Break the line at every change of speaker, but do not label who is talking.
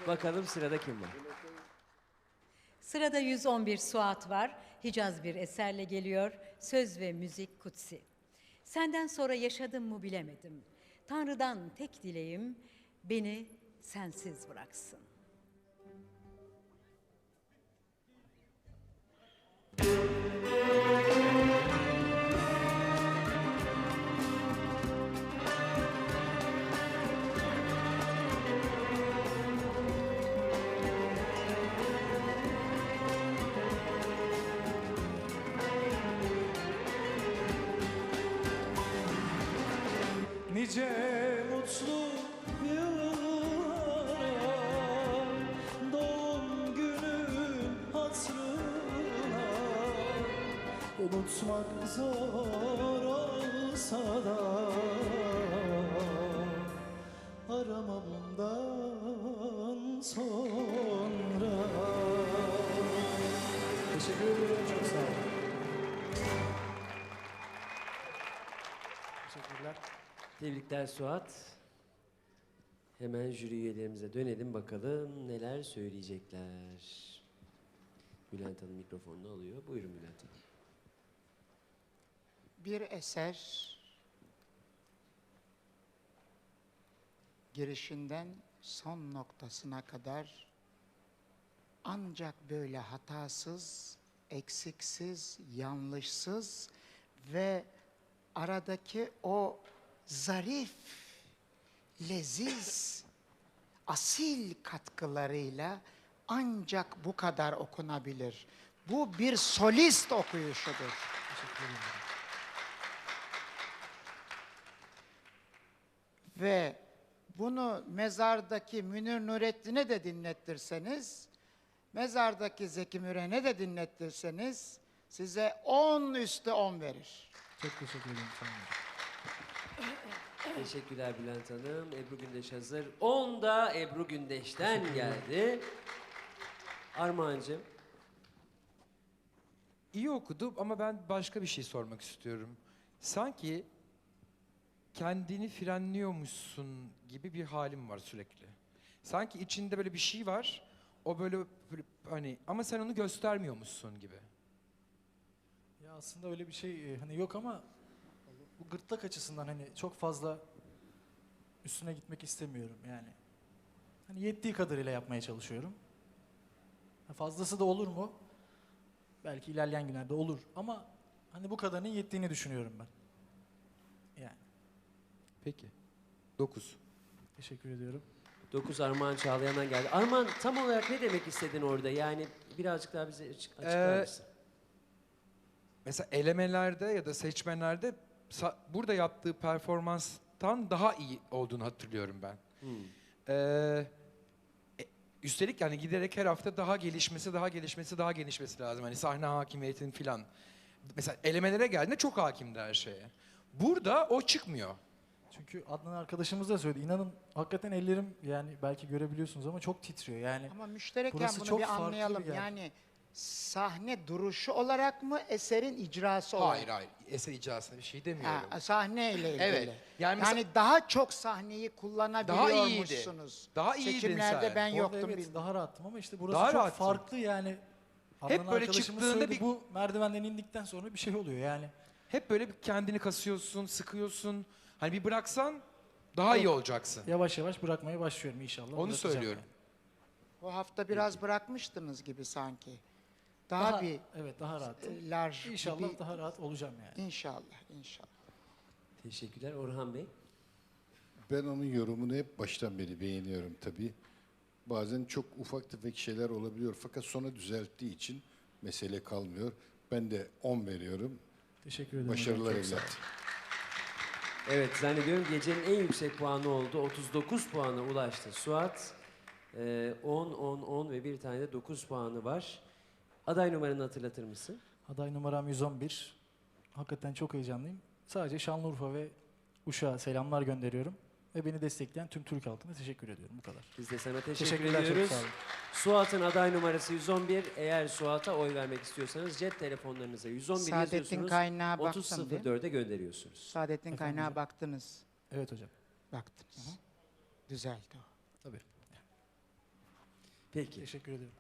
Bakalım sırada kim var?
Sırada 111 Suat var. Hicaz bir eserle geliyor. Söz ve müzik kutsi. Senden sonra yaşadım mı bilemedim. Tanrı'dan tek dileğim beni sensiz bıraksın.
Nice mutlu yıllara doğum günün hatırına unutmak zor olsa da arama bundan sonra. Teşekkür ederim, çok sağ olun. Teşekkürler.
Tebrikler Suat. Hemen jüri üyelerimize dönelim bakalım neler söyleyecekler. Bülent Hanım mikrofonunu alıyor. Buyurun Bülent Hanım.
Bir eser girişinden son noktasına kadar ancak böyle hatasız, eksiksiz, yanlışsız ve aradaki o zarif, leziz, asil katkılarıyla ancak bu kadar okunabilir. Bu bir solist okuyuşudur.
Teşekkür ederim.
Ve bunu mezardaki Münir Nurettin'e de dinlettirseniz, mezardaki Zeki Müren'e de dinlettirseniz size 10 üstü 10 verir.
Çok teşekkür ederim. Sağ olun.
Teşekkürler Bülent Hanım. Ebru Gündeş hazır. 10 da Ebru Gündeş'ten geldi. Armağancığım.
İyi okudu ama ben başka bir şey sormak istiyorum. Sanki kendini frenliyormuşsun gibi bir halim var sürekli. Sanki içinde böyle bir şey var. O böyle hani ama sen onu göstermiyormuşsun gibi.
Ya aslında öyle bir şey hani yok ama bu gırtlak açısından hani çok fazla üstüne gitmek istemiyorum yani. Hani yettiği kadarıyla yapmaya çalışıyorum. Ha, fazlası da olur mu? Belki ilerleyen günlerde olur ama hani bu kadarının yettiğini düşünüyorum ben. Yani
Peki. 9.
teşekkür ediyorum.
9 Armağan Çağlayan'dan geldi. Armağan tam olarak ne demek istedin orada? Yani birazcık daha bize açıklar mısın?
Mesela elemelerde ya da seçmenlerde burada yaptığı performanstan daha iyi olduğunu hatırlıyorum ben. Ee, Üstelik yani giderek her hafta daha gelişmesi lazım. Hani sahne hakimiyetinin filan. Mesela elemelere geldiğinde çok hakimdi her şeye. Burada o çıkmıyor.
Çünkü Adnan arkadaşımız da söyledi. İnanın hakikaten ellerim yani belki görebiliyorsunuz ama çok titriyor yani.
Ama müştereken
Burası
bunu
çok
bir
farklı
anlayalım.
bir yer.
Yani sahne duruşu olarak mı, eserin icrası olarak?
Hayır. Eser icrasında bir şey demiyorum.
Ha, sahneyle ilgili.
Evet. Yani
Yani,
mesela-
daha çok sahneyi kullanabiliyormuşsunuz.
Daha iyiydin
Seçimlerde
sen.
ben
Orada
yoktum.
evet
bilmiyorum.
daha rahattım ama işte burası
Daha
çok
rahatsın.
farklı yani.
Hep
Adnan
böyle
arkadaşımız
çıktığında
söyledi,
bir-
bu merdivenden indikten sonra bir şey oluyor yani.
Hep böyle bir kendini kasıyorsun, sıkıyorsun. Hani bir bıraksan daha iyi olacaksın.
Yavaş yavaş bırakmaya başlıyorum inşallah.
Onu
bırakacağım
söylüyorum.
yani.
Bu hafta biraz bırakmıştınız gibi sanki. Daha bir
evet daha rahat.
large
İnşallah
gibi.
daha rahat olacağım yani.
İnşallah.
Teşekkürler Orhan Bey.
Ben onun yorumunu hep baştan beri beğeniyorum tabii. Bazen çok ufak tefek şeyler olabiliyor fakat sonra düzelttiği için mesele kalmıyor. Ben de 10 veriyorum.
Teşekkür ederim.
Başarılar
hocam, çok sağ olun.
evlat.
Evet zannediyorum gecenin en yüksek puanı oldu. 39 puana ulaştı Suat. 10 ve bir tane de 9 puanı var. Aday numaranı hatırlatır mısın?
Aday numaram 111. Hakikaten çok heyecanlıyım. Sadece Şanlıurfa ve Uşak'a selamlar gönderiyorum. Ve beni destekleyen tüm Türk halkına teşekkür ediyorum. Bu kadar.
Biz de sana teşekkür
Teşekkürler, çok
ediyoruz.
sağ olun.
Suat'ın aday numarası 111. Eğer Suat'a oy vermek istiyorsanız cep telefonlarınıza 111
Saadettin
yazıyorsunuz.
kaynağı baktım değil mi?
30.04'e gönderiyorsunuz.
Saadettin
Efendim
kaynağı
hocam?
baktınız.
Evet hocam.
Baktınız. Düzeldi o.
Tabii.
Peki.
Teşekkür ediyorum.